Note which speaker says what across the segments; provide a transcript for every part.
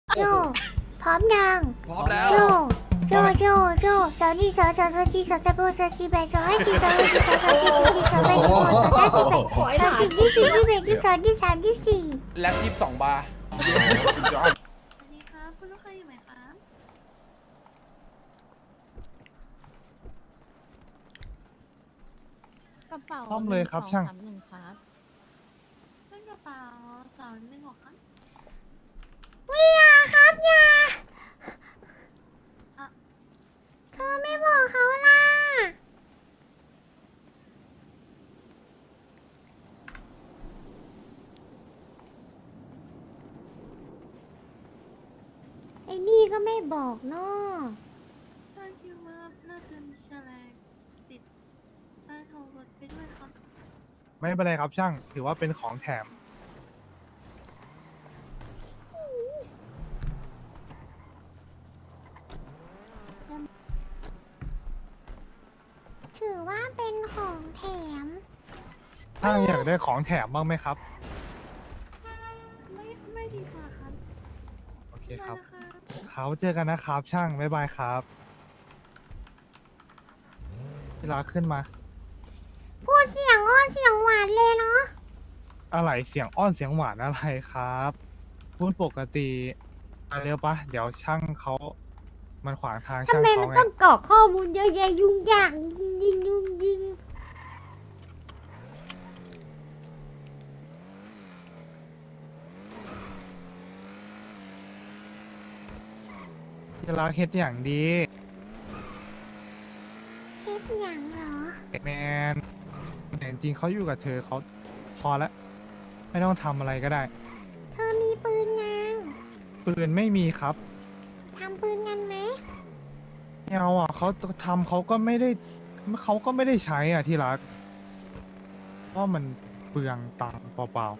Speaker 1: โจพร้อมยัง
Speaker 2: พร้อมแล้ว
Speaker 1: โจสาวนี่สาวจีสาวตะโบสาวจีแบสาวให้จีสาวให้จีสาวจีสาวจีสาวแบสาวสาวจีแบสาวจีที่สี่ที่แบที่สองที่สามที่สี่
Speaker 2: แล็บ22 บาร์
Speaker 3: สวัสดีครับคุณลูกค้าอยู่ไหมครับ
Speaker 4: กระเป๋า
Speaker 5: ซ่อมเลยครับช่าง
Speaker 4: 1 2 3 1ครับ
Speaker 3: เล่นกระเป๋า216ครับ
Speaker 1: วิยาครับยา
Speaker 3: อ่ะ
Speaker 1: เธอไม่บอกเขาล่ะไอ้นี่ก็ไม่บอกเนาะ
Speaker 3: ใช่คิดว่าน่าจะมีแฉลงติดใต้ท้องรถไปด้วยครับ
Speaker 5: ไม่เป็นไรครับช่าง ถือว่าเป็นของแถม
Speaker 1: ถือว่าเป็นของแถม
Speaker 5: ช่างอยากได้ของแถมบ้างไหมครับ
Speaker 3: ไม่ดีกว่าครับ
Speaker 5: โอเคครับ
Speaker 3: ได้นะคะ
Speaker 5: เขาเจอกันนะครับช่าง บ๊ายบายครับเวลาขึ้นมา
Speaker 1: พูดเสียงอ้อนเสียงหวานเลยเนาะ
Speaker 5: อะไรเสียงอ้อนเสียงหวานอะไรครับ พูดปกติมาเร็วปะเดี๋ยวช่างเขามันขวางทาง
Speaker 1: ทำ
Speaker 5: ช่าง
Speaker 1: ไม
Speaker 5: เขา
Speaker 1: มัน
Speaker 5: ไง
Speaker 1: ต้องกรอกข้อมูลเยอะแยะยุ่งยากยุ่งยิง
Speaker 5: จะรักเฮ็ดอย่างดี
Speaker 1: เฮ็ดหยังเหรอ
Speaker 5: แมนแต่จริงๆเขาอยู่กับเธอเขาพอแล้วไม่ต้องทำอะไรก็ได้
Speaker 1: เธอมีปืนยัง
Speaker 5: ปืนไม่มีครับ
Speaker 1: ทำปืนกันไหม
Speaker 5: ไม่เอาอ่ะเขาทำเขาก็ไม่ได้ใช้อ่ะที่รักเพราะมันเปลืองตังค์เปล่า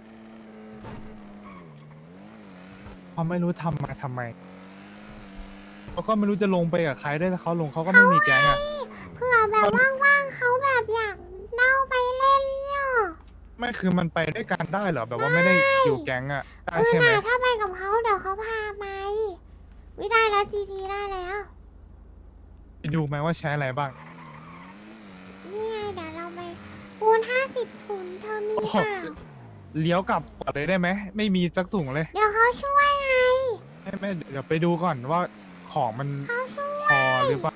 Speaker 5: ๆเขาไม่รู้ทำมาทำไมเขาก็ไม่รู้จะลงไปกับใครได้วยถ้าเขาลงเขาก็ไม่มีแก๊งอ่ะ
Speaker 1: เผื่อแบบว่างๆเขาแบบอยากเน่าไปเล่นเนี่ย
Speaker 5: ไม่คือมันไปด้วยกันได้เหรอแบบว่าไม่ได้อยู่แก๊งอ่ะได้ใช่ไหม
Speaker 1: ถ้าไปกับเขาเดี๋ยวเขาพาไปวิได้แล้วจีทีได้แล้ว
Speaker 5: ไปดูไหมว่าใช้อะไรบ้าง
Speaker 1: นี่ไงเดี๋ยวเราไปปูน50 ถุงเธอมีเปล่า
Speaker 5: เลี้ยวกลับก่อนเลยได้ไหมไม่มีสักถุงเลย
Speaker 1: เดี๋ยวเขาช่วยไง
Speaker 5: ไม่เดี๋ยวไปดูก่อนว่าของมัน
Speaker 1: เขาช่วย
Speaker 5: พอหรือเปล่า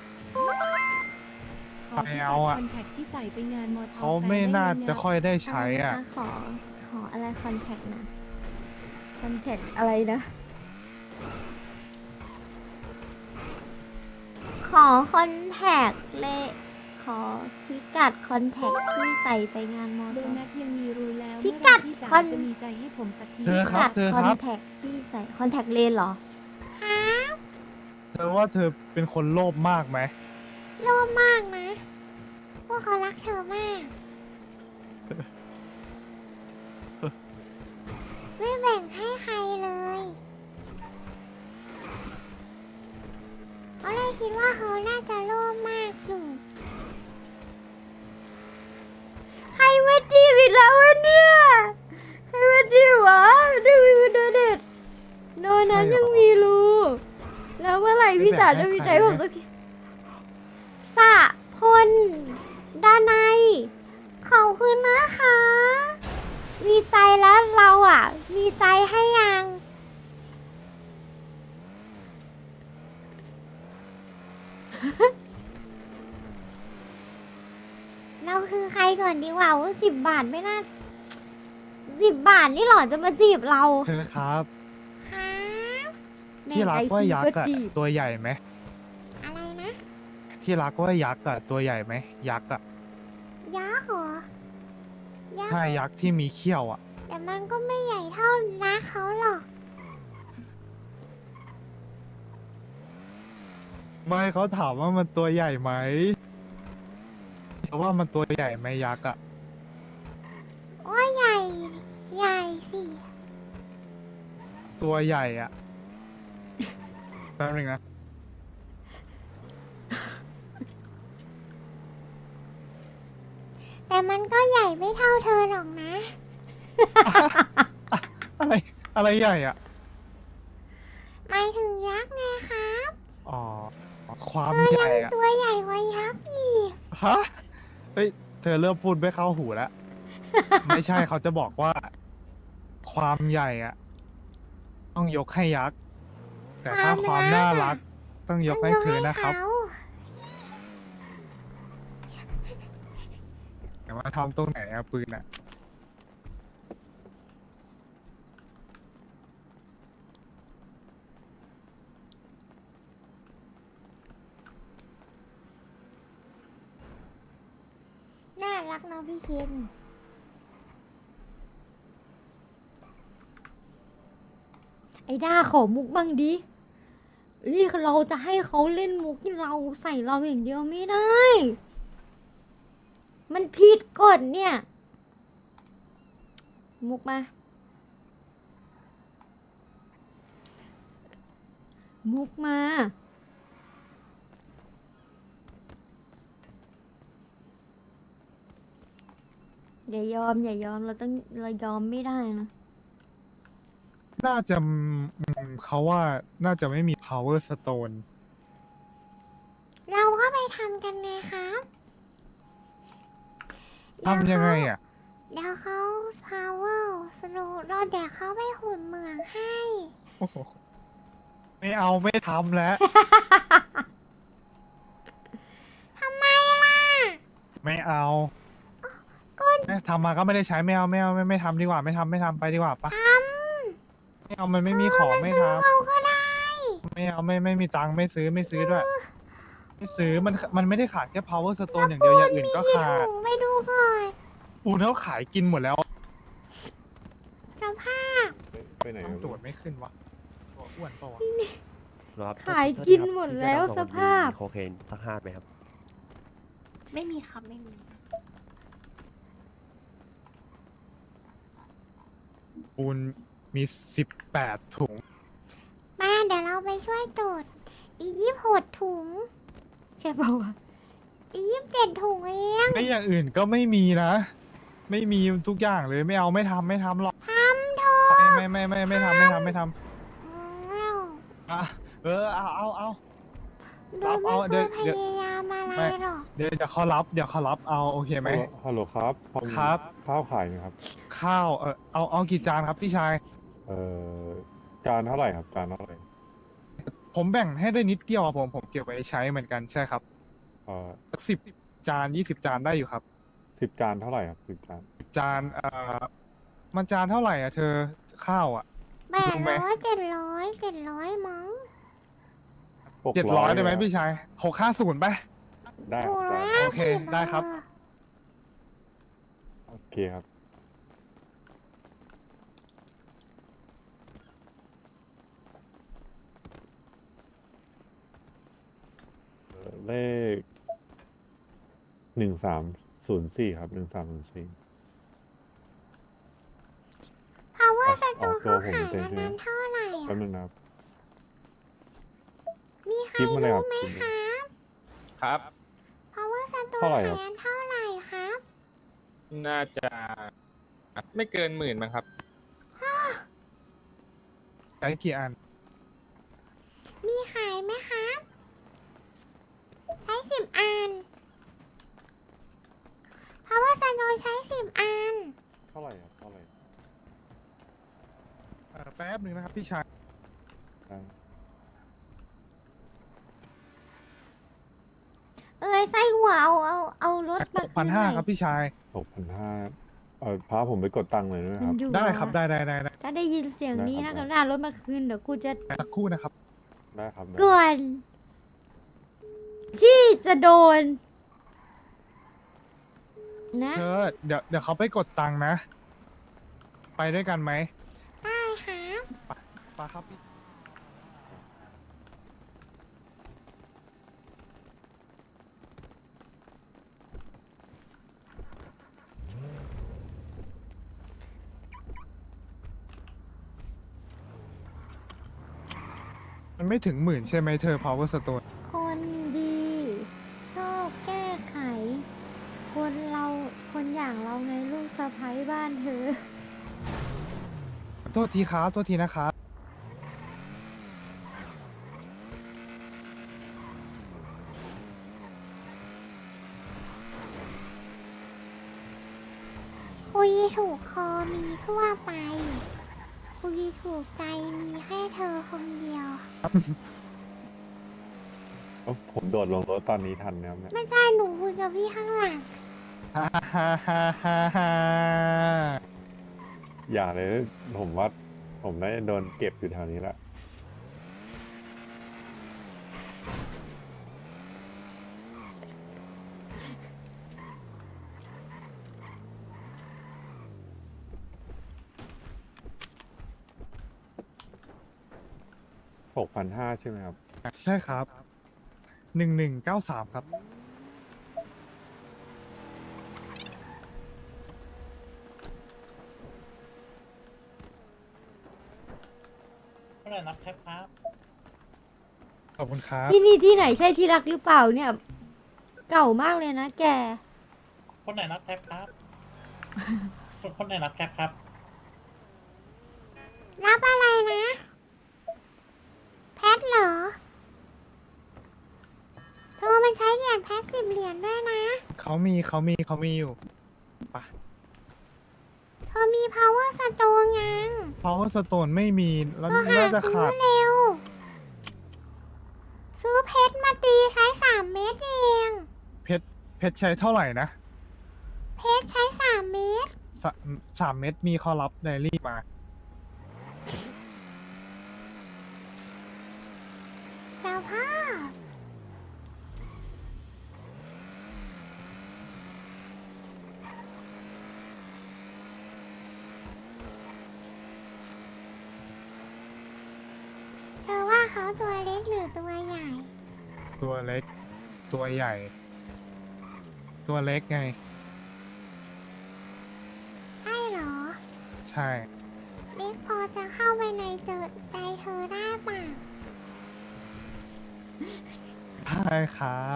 Speaker 5: ไม่เอาอะ
Speaker 4: คอนแทคที่ใส่ไปงานมอเตอร์
Speaker 5: เขาไม่น่าจะค่อยได้ใช้อ่ะ
Speaker 1: ขออะไรคอนแทคนะคอนแทคอะไรนะ ขอคอนแทคเลยขอพิกัดคอนแทคที่ใส่ไปงานมอ
Speaker 4: โด
Speaker 1: เตอร์
Speaker 4: นัทยังมีรูแล้ว
Speaker 1: พิกัด
Speaker 4: เมื่อไหร่ที่จ๋า
Speaker 1: คอน
Speaker 4: จะมีใจให้ผมสักที
Speaker 5: เธอครับเธอ
Speaker 1: คอน
Speaker 5: ครับ
Speaker 1: แทคที่ใส่คอนแทคเลนเหรอฮะ
Speaker 5: เธอว่าเธอเป็นคนโลภมากไหม
Speaker 1: โลภมากนะ พวกเขารักเธอมาก ไม่แบ่งให้ใครเลยเขาเลยคิดว่าเขาน่าจะโลภมากอยู่ ใครมาจีบอีกแล้ววะเนี่ย ใครมาจีบวะดูโดเด็ดโดนั้นยังมีรูแล้วเมื่อไหร่พี่จ๋าจะมีใจผมสักทีสะพลด้านในขอบคุณนะคะ มีใจแล้วเราอ่ะ มีใจให้ยัง เราคือใครก่อนดีกว่าว่า10 บาทไม่น่า10 บาทนี่หรอจะมาจีบเรา
Speaker 5: เธอครับ
Speaker 1: ฮะ
Speaker 5: ที่รักว่ายักษ์อะ
Speaker 1: จีบ
Speaker 5: ตัวใหญ่ไหม
Speaker 1: อะไรนะ
Speaker 5: ที่รักว่ายักษ์อะตัวใหญ่ไหมยักษ์อะ
Speaker 1: ยักษ์เหรอ ยักษ์
Speaker 5: ใช่ยักษ์ที่มีเขี้ยวอะ
Speaker 1: แต่มันก็ไม่ใหญ่เท่ารักเขาหรอก
Speaker 5: ไม่เขาถามว่ามันตัวใหญ่ไหมเพราะว่ามันตัวใหญ่ไหมยักษ์อะ
Speaker 1: ว่าใหญ่ ใหญ่สิ
Speaker 5: ตัวใหญ่อะแป๊บนึงนะ
Speaker 1: แต่มันก็ใหญ่ไม่เท่าเธอหรอกนะ
Speaker 5: อะไรอะไรใหญ่อะ
Speaker 1: หมาย
Speaker 5: ความใหญ่อะ
Speaker 1: ตัวใหญ่กว่ายักษ์อีก
Speaker 5: ฮะเฮ้ยเธอเริ่มพูดไม่เข้าหูแล้ว ไม่ใช่เขาจะบอกว่า ความใหญ่อะต้องยกให้ยักษ์ แต่ถ้าความน่ารัก ต้องยกให้เธอนะครับ แต่ว่าทำตรงไหนอะปืนอะ
Speaker 1: น่ารักเนาะพี่เคนไอ้ด้าขอมุกบ้างดินี่เราจะให้เขาเล่นมุกที่เราใส่เราอย่างเดียวไม่ได้ มันผิดกฎเนี่ย มุกมา มุกมา อย่ายอม อย่ายอม เรายอมไม่ได้นะ
Speaker 5: น่าจะเขาว่าน่าจะไม่มี power stone
Speaker 1: เราก็ไปทำกันไงครับ
Speaker 5: ทำยังไงอ่ะ
Speaker 1: เดี๋ยวเขา power slow เราเดี๋ยวเขาไปขุดเหมืองให้
Speaker 5: โอ้โหไม่เอาไม่ทำแล้ว
Speaker 1: ทำไมล่ะ
Speaker 5: ไม่เอา
Speaker 1: ก็
Speaker 5: ทำมาก็ไม่ได้ใช้ไม่เอาไม่ทำดีกว่าไม่ทำไปดีกว่าปะ
Speaker 1: ท
Speaker 5: ไม่เอามันไม่มีของไม่ท
Speaker 1: ำเราก็ได้
Speaker 5: ำไม่เอาไม่มีตังค์ไม่ซื้อด้วยไม่ซื้อมันไม่ได้ขาดแค่ power stone อย่างเดียวอย่างอื่นก็ขาด
Speaker 1: ถุงไปดูก่อน
Speaker 5: ปูนเขาขายกินหมดแล้ว
Speaker 1: สภาพ
Speaker 2: ไปไหน
Speaker 5: ตรวจไม่ขึ้นวะตัวอ้วนปะวะ
Speaker 6: ครับ
Speaker 1: ขายกินหมดแล้วสภาพ
Speaker 6: มีโคเคนสัก5ไหมครับ
Speaker 3: ไม่มีครับไม่มี
Speaker 5: ปูนมี18 ถุง
Speaker 1: มาเดี๋ยวเราไปช่วยตรวจอีก26 ถุง ใช่ป่าวะอีก27 ถุงเอง
Speaker 5: ไม่อย่างอื่นก็ไม่มีนะ ไม่มีทุกอย่างเลยไม่เอาไม่ทำหรอก
Speaker 1: ทำเถอะ
Speaker 5: ไม่ทำ
Speaker 1: เรา
Speaker 5: อ่ะเอา
Speaker 1: โดยไม่
Speaker 5: เอา
Speaker 1: เค
Speaker 5: เดี๋ย
Speaker 1: ยว พยายามอะไร
Speaker 5: ไม่
Speaker 1: หรอก
Speaker 5: เดี๋ยวเขารับเอาโอเคไหม
Speaker 2: ฮัลโหลครับพอมี
Speaker 5: ครับ
Speaker 2: ข้าวขายไหมครับ
Speaker 5: ข้าวเอากี่จานครับพี่ชาย
Speaker 2: เอ่อจานเท่าไหร่ครับจานเท่าไหร่
Speaker 5: ผมแบ่งให้ได้นิดเดียวอะผมเก็บไว้ใช้เหมือนกันใช่ครับ 10 จาน 20 จานได้อยู่ครับ
Speaker 2: 10 จานเท่าไหร่ครับ10 จาน
Speaker 5: จานมันจานเท่าไหร่อ่ะเธอข้าวอ่ะ รู้ไหม
Speaker 1: 700มั้ง
Speaker 5: 700ได้ไหมพี่ชาย650ไป
Speaker 2: ได้ค
Speaker 1: ถู
Speaker 2: รับ
Speaker 1: ก
Speaker 2: ได้
Speaker 1: แล้ว
Speaker 5: โอเคได้ครับ
Speaker 2: โอเคครับเลข1304ครับ1304
Speaker 1: power
Speaker 2: เอา
Speaker 1: stone
Speaker 2: ตัว
Speaker 1: เขา
Speaker 2: ผม
Speaker 1: ขาย
Speaker 2: เต็ม
Speaker 1: กัน
Speaker 2: ที่
Speaker 1: นั้นเท่าไหร่
Speaker 2: แป๊บ
Speaker 1: อะ
Speaker 2: นึงนะครับ
Speaker 1: มีใคร
Speaker 2: คลิปมาเลยครั
Speaker 1: รู้
Speaker 2: บ
Speaker 1: ไหม
Speaker 2: คลิป
Speaker 1: ครับ
Speaker 7: ครับ
Speaker 1: power stone
Speaker 2: เท่าไหร่
Speaker 1: ขาย
Speaker 2: ครับ
Speaker 1: กันเท่าไหร่ครับ
Speaker 7: น่าจะไม่เกิน10,000มั้งครับ
Speaker 5: ใช้กี่อัน
Speaker 1: มีขายไหมครับ ใช้10 อัน power stone ใช้10 อัน
Speaker 2: เท่าไหร่ครับเท่าไหร่
Speaker 5: แป๊บหนึ่งนะครับพี่ชาย
Speaker 2: ได้
Speaker 1: ไส้หัวเอารถมาคืนหน่อย
Speaker 5: 6,500ครับพี่ชาย
Speaker 2: 6,500พาผมไปกดตังค์เลยด้วย
Speaker 1: มั
Speaker 2: คน รับ
Speaker 1: อยู่
Speaker 5: ได้ครับ
Speaker 1: อะ
Speaker 5: ได้
Speaker 1: ถ้าได้ยินเสียงนี้
Speaker 2: ได้
Speaker 1: นะครับ
Speaker 2: ได้
Speaker 1: หน้ารถมาคืนเดี๋ยวกูจะ
Speaker 5: สักครู่นะครับ
Speaker 2: ได้ครับได้
Speaker 1: ก่อน ที่จะโดน นะ
Speaker 5: เธอเดี๋ยวเขาไปกดตังค์นะ ไปด้วยกันไหม
Speaker 1: ได้ครับ
Speaker 5: ไปครับพี่มันไม่ถึง10,000ใช่ไหมเธอ power stone
Speaker 1: คนดี ชอบแก้ไข คนอย่างเราไงลูกสะใภ้บ้านเธอ
Speaker 5: โทษทีครับโทษทีนะครับ
Speaker 8: ยถูกคอมีทั่วไป คุยถูกใจมีแค่เธอคนเดียว
Speaker 2: ผมโดดลงรถตอนนี้ทันนะครับเนี่ย
Speaker 8: ไม่ใช่หนูคุยกับพี่ข้างหลัง
Speaker 5: ฮ่าฮ่าฮ่าฮ่าฮ่า
Speaker 2: อย่าเลย ผมว่าผมน่าจะโดนเก็บอยู่แถวนี้ละ 6,500ใช่ไหมครับ
Speaker 5: ใช่ครับ1193ครับ
Speaker 9: เท่าไหร่นับแท็บครับ
Speaker 5: ขอบคุณครับ
Speaker 1: ที่นี่ที่ไหนใช่ที่รักหรือเปล่าเนี่ย เก่ามากเลยนะแก
Speaker 9: คนไหนนับแท็บครับ คนไหนนับแท็บครับ
Speaker 8: รับอะไรนะ แพทเหรอ เธอมันใช้เหรียญแพท10 เหรียญด้วยนะ
Speaker 5: เขามีอยู่ปะ
Speaker 8: เธอมี power stone ยัง
Speaker 5: power stone ไม่มีแล้ว
Speaker 8: เธอหา
Speaker 5: น่าจะ
Speaker 8: ซื้
Speaker 5: ขา
Speaker 8: อ
Speaker 5: ด
Speaker 8: เร็ว ซื้อเพชรมาตีใช้ 3 เม็ดเอง
Speaker 5: เพชรใช้เท่าไหร่นะ
Speaker 8: เพชรใช้ 3 เม็ด
Speaker 5: 3 เม็ดมีข้อรับไดรี่มา
Speaker 8: สภาพเธอว่าเขาตัวเล็กหรือตัวใหญ่
Speaker 5: ตัวเล็ก ตัวใหญ่ ตัวเล็กไง
Speaker 8: ใช่เหรอ
Speaker 5: ใช่
Speaker 8: เล็กพอจะเข้าไปในใจเธอได้ป่ะ
Speaker 5: ใช่ครับ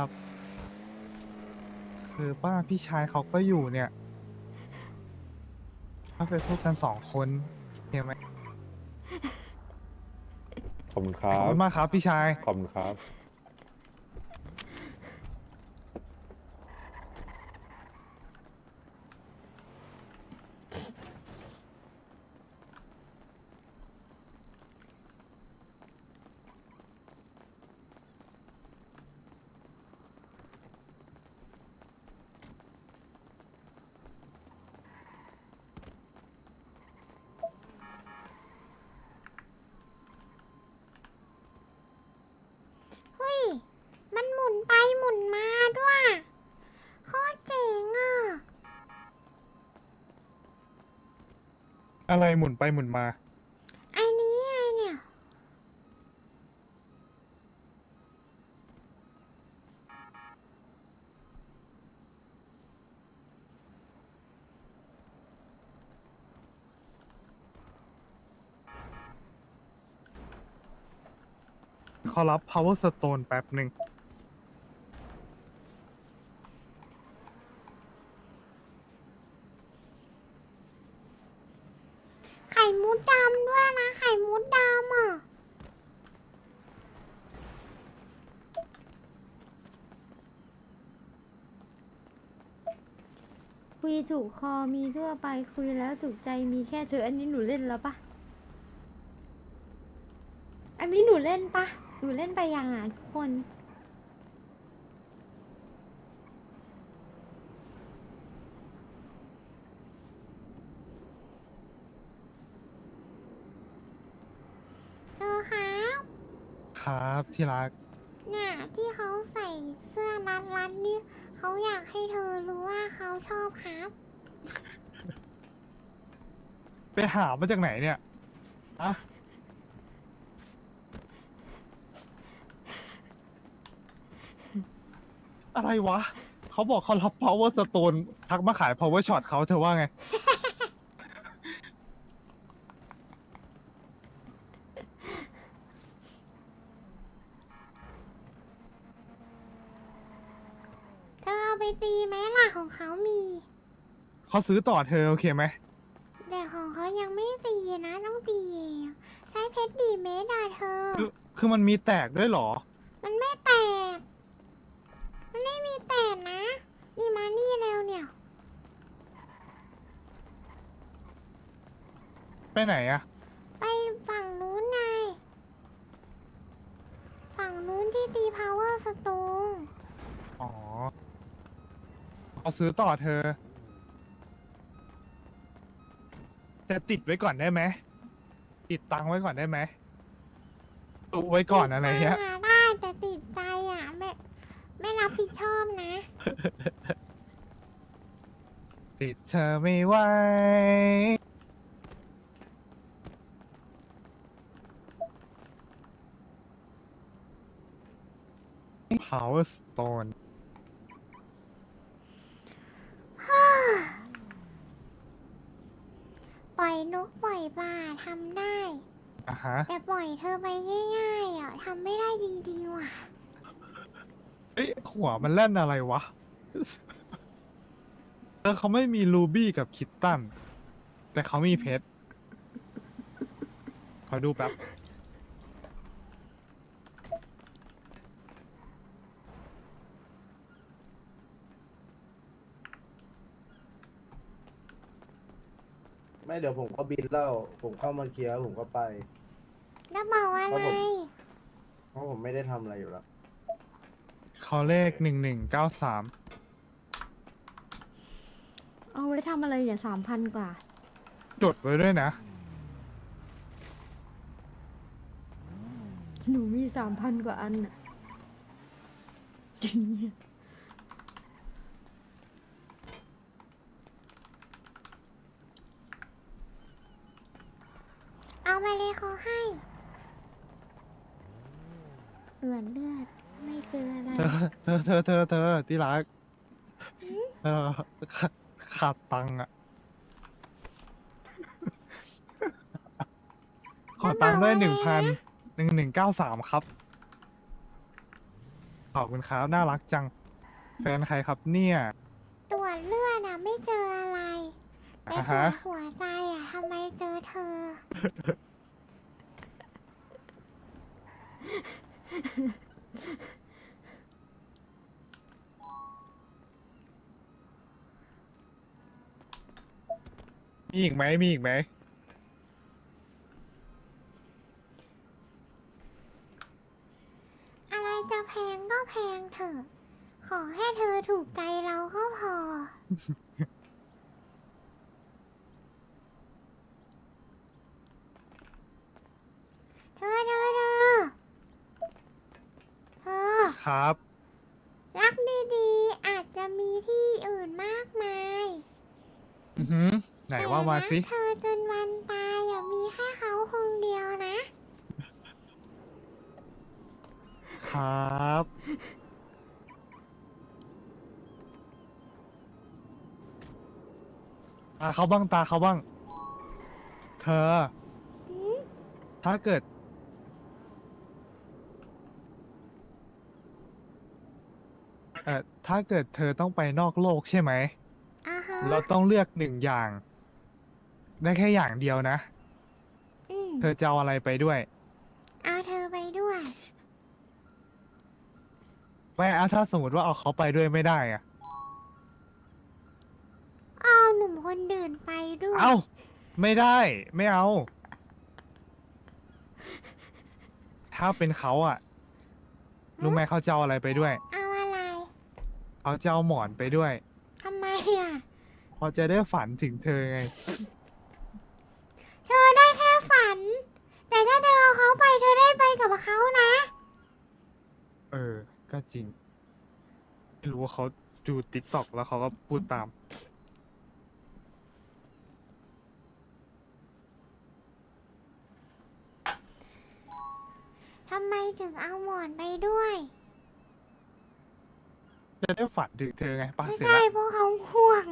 Speaker 5: คือป้าพี่ชายเขาก็อยู่เนี่ย ถ้าไปพูดกัน2 คนเห็นไหม
Speaker 2: ขอบคุณค
Speaker 5: ข
Speaker 2: รั
Speaker 5: อบบ คุณมากครับพี่ชาย
Speaker 2: ขอบคุณครับ
Speaker 8: เฮ้ย มันหมุนไปหมุนมาด้วยโคตรเจ๋งอ่ะ
Speaker 5: อะไรหมุนไปหมุนมา
Speaker 8: ไอ้นี้ไงเนี่ย
Speaker 5: เขารับ power stone แป๊บหนึ่ง
Speaker 8: ไข่มุดดำด้วยนะ ไข่มุดดำอ่ะ
Speaker 1: คุยถูกคอมีทั่วไปคุยแล้วถูกใจมีแค่เธอ อันนี้หนูเล่นแล้วปะอันนี้หนูเล่นปะหนูเล่นไปยังอ่ะทุกคน
Speaker 8: เธอครับ
Speaker 5: ครับที่รัก
Speaker 8: เนี่ยที่เขาใส่เสื้อรัดๆนี่เขาอยากให้เธอรู้ว่าเขาชอบครับ
Speaker 5: ไปหามาจากไหนเนี่ยอะอะไรวะ เขาบอกเขารับ power stone ทักมาขาย power shot เขาเธอว่าไง
Speaker 8: เธอเอาไปตีไหมล่ะของเขามี
Speaker 5: เขาซื้อต่อเธอโอเคไหม
Speaker 8: แต่ของเขายังไม่ตีนะต้องตีเองใช้เพชรดีเมตรอะเธอ
Speaker 5: คือมันมีแตกด้วยเหรอ
Speaker 8: มันไม่แตก มันไม่มีแตกนะ นี่มานี่เร็วเนี่ย
Speaker 5: ไปไหนอะ
Speaker 8: ไปฝั่งนู้นไง ฝั่งนู้นที่ตี power stone
Speaker 5: อ๋อเอาซื้อต่อเธอจะติดไว้ก่อนได้ไหมติดตังค์ไว้ก่อนได้ไหมตุไว้ก่อนอะไรเงี้ย
Speaker 8: ติดตังค์ได้แต่ติดใจอ่ะไม่รับผิดชอบนะ
Speaker 5: ติดเธอไม่ไหว Power Stone
Speaker 8: ปล่อยนกปล่อยปลาทำได้
Speaker 5: อ่ะฮะ
Speaker 8: แต่ปล่อยเธอไปง่ายๆอ่ะทำไม่ได้จริงๆว่ะ
Speaker 5: เอ้ยหัวมันเล่นอะไรวะ เขาไม่มีรูบี้กับคิตตัน แต่เขามีเพชร ขอดูแป๊บ
Speaker 10: ไม่เดี๋ยวผมก็บินแล้วผมเข้ามาเคลียร์ผมก็ไป
Speaker 8: แล้วบอกอะไร
Speaker 10: เพราะผมไม่ได้ทำอะไรอยู่แล้ว
Speaker 5: เขาเลข1193
Speaker 1: เอาไว้ทำอะไรเนี่ย3,000 กว่า
Speaker 5: จดไว้ด้วยนะ
Speaker 1: หนูมี3,000 กว่าอันน่ะ
Speaker 8: เอาไปเลยเขาให้เลือดไม่เจออะไร
Speaker 5: เธอที่รักขาดตังค์อ่ะ ขอตังค์ด้วย1193 ครับ ขอบคุณครับ น่ารักจัง แฟนใครครับเนี่ย
Speaker 8: ตรวจเลือดอ่ะไม่เจออะไรแต่
Speaker 5: อ่า
Speaker 8: ตรว
Speaker 5: ฮะ
Speaker 8: จหัวใจอ่ะทำไมเจอเธอ
Speaker 5: มีอีกไหม มีอีกไหม
Speaker 8: อะไรจะแพงก็แพงเถอะ ขอให้เธอถูกใจเราก็พอ เธอ
Speaker 5: ครับ
Speaker 8: รักดีๆ อาจจะมีที่อื่นมากมาย
Speaker 5: อือหือ ไหนว่ามาสิ
Speaker 8: แต่รักเธอจนวันตายอย่ามีแค่เขาคนเดียวนะ
Speaker 5: ครับตาเขาบ้างตาเขาบ้าง เธอ ถ้าเกิด ถ้าเกิดเธอต้องไปนอกโลกใช่ไหม
Speaker 8: อ่าฮะ
Speaker 5: เราต้องเลือก1 อย่าง ได้แค่อย่างเดียวนะ เธอจะเอาอะไรไปด้วย
Speaker 8: เอาเธอไปด้วย
Speaker 5: ไม่อะถ้าสมมติว่าเอาเขาไปด้วยไม่ได้อะ
Speaker 8: เอาหนุ่มคนเดินไปด้วย
Speaker 5: เอ้า ไม่ได้ ไม่เอา ถ้าเป็นเขาอะรู้ไหมเขาจะเอาอะไรไปด้วย
Speaker 8: เอาอะไร
Speaker 5: เขาจะเอาหมอนไปด้วย
Speaker 8: ทำไมอ่ะ
Speaker 5: เขาจะได้ฝันถึงเธอไง
Speaker 8: เธอได้แค่ฝัน แต่ถ้าเธอเอาเขาไปเธอได้ไปกับเขานะ
Speaker 5: เออ ก็จริง ไม่รู้ว่าเขาดูติ๊กต็อกแล้วเขาก็พูดตาม
Speaker 8: ทำไมถึงเอาหมอนไปด้วย
Speaker 5: จะได้ฝันถึงเธอไงป้า
Speaker 8: ไม่
Speaker 5: เสร็จ
Speaker 8: ใช่
Speaker 5: แล้ว
Speaker 8: เพราะเขาห่วง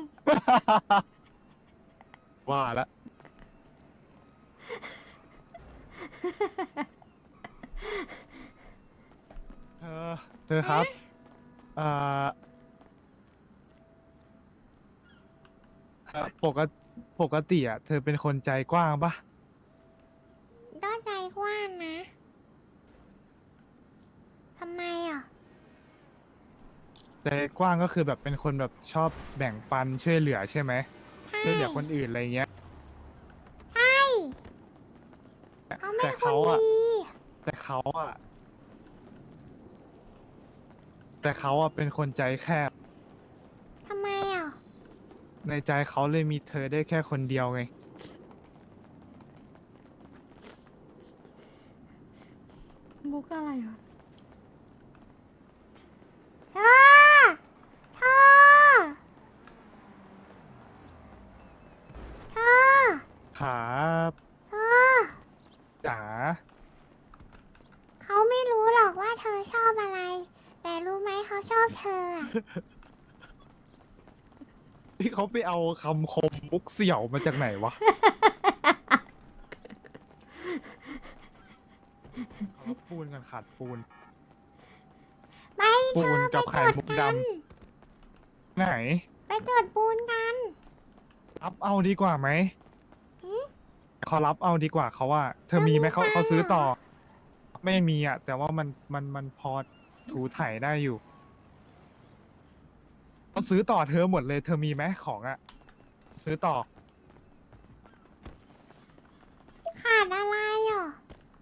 Speaker 5: ว่าละเธอครับอ่าปกติอ่ะ เธอเป็นคนใจกว้างปะ
Speaker 8: ก็ใจกว้างนะ ทำไมอ่ะ
Speaker 5: ใจกว้างก็คือแบบเป็นคนแบบชอบแบ่งปันช่วยเหลือใช่ไหม
Speaker 8: ใช่
Speaker 5: ช่วยเหลือคนอื่นอะไรเงี้ย
Speaker 8: ใช่
Speaker 5: เขา
Speaker 8: คน
Speaker 5: อะ
Speaker 8: ดี
Speaker 5: แต่เขาอะแต่เขาอะเป็นคนใจแคบ
Speaker 8: ทำไมอ่ะ
Speaker 5: ในใจเขาเลยมีเธอได้แค่คนเดียวไง
Speaker 1: มุกอะไรวะ
Speaker 8: เธอ เธอ เธอ
Speaker 5: ครับ
Speaker 8: เธอ
Speaker 5: จ๋า
Speaker 8: เขาไม่รู้หรอกว่าเธอชอบอะไร แต่รู้ไหมเขาชอบเธออะ
Speaker 5: ที่เขาไปเอาคำคมมุกเสี่ยวมาจากไหนวะ เขาปูนกันขาดปูน
Speaker 8: ไป
Speaker 5: ปู
Speaker 8: เธ
Speaker 5: น
Speaker 8: อ
Speaker 5: กับ
Speaker 8: ไป
Speaker 5: ไข่
Speaker 8: จด
Speaker 5: มุก
Speaker 8: กั
Speaker 5: ด
Speaker 8: น
Speaker 5: ไหน
Speaker 8: ไปจดปูนกัน
Speaker 5: รับเอาดีกว่าไหม
Speaker 8: หือ
Speaker 5: เขารับเอาดีกว่าเขาว่า เธอมีไหมเขา
Speaker 8: แล้วมี
Speaker 5: เขาซื้อ
Speaker 8: ตังค์เหรอ
Speaker 5: ต่อ ไม่มีอ่ะ แต่ว่ามันพอถูถ่ายได้อยู่เขาซื้อต่อเธอหมดเลย เธอมีไหมของอ่ะ ซื้อต่อ
Speaker 8: ขาดอะไรอ่ะ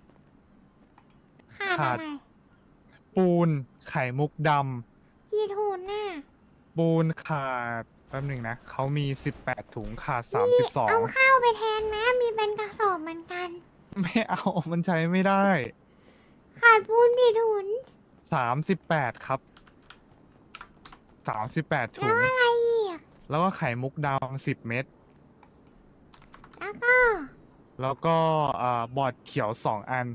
Speaker 8: ขาด
Speaker 5: ขาด
Speaker 8: อะไร
Speaker 5: ปูนไข่มุกด
Speaker 8: กี่ถุงน่ะ
Speaker 5: ำปูนขาดแป๊บหนึ่งนะเขามี18 ถุงขาด
Speaker 8: นี่เอา
Speaker 5: 32
Speaker 8: ข้าวไปแทนไหมมีเป็นกระสอบเหมือนกัน
Speaker 5: ไม่เอา มันใช้ไม่ได้
Speaker 8: ขาดปูนกี่ถุง
Speaker 5: 38 ครับ 38 ถุ
Speaker 8: แล้ว
Speaker 5: ง
Speaker 8: อะไรอีก
Speaker 5: แล้วก็ไข่มุกดำ10 เม็ด
Speaker 8: แล้วก็
Speaker 5: แล้วก็บอร์ดเขียว 2 อัน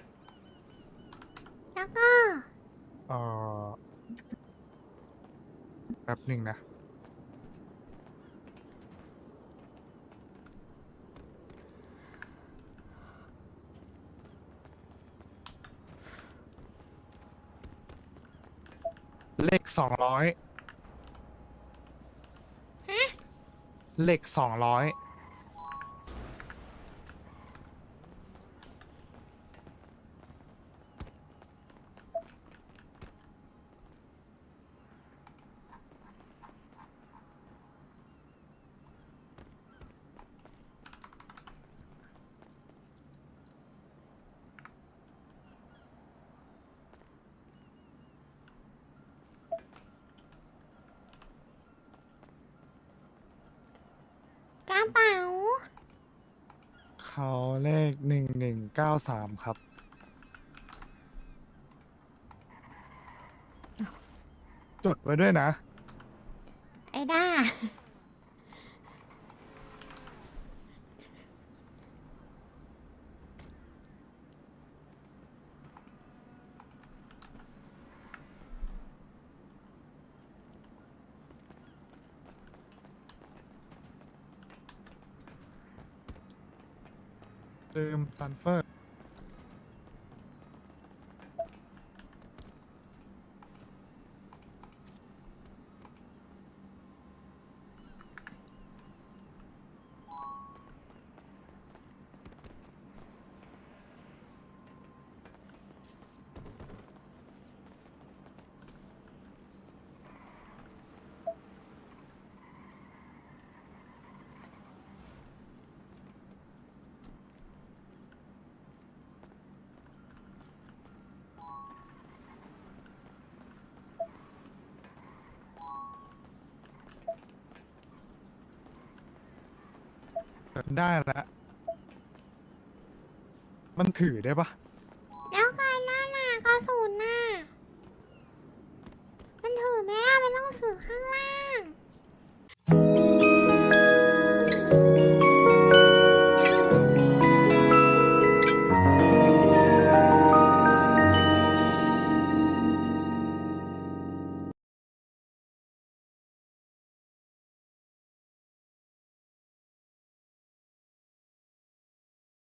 Speaker 8: แล้วก็
Speaker 5: เอ่อแป๊บหนึ่งนะ เลข 200
Speaker 8: ฮะ
Speaker 5: เลข 200
Speaker 8: กระเป๋า
Speaker 5: เขาเลข1193 ครับ จดไว้ด้วยนะ
Speaker 8: ไอ้ด้า
Speaker 5: ลืมซันเฟอร์ ได้แล้ว มันถือได้ปะ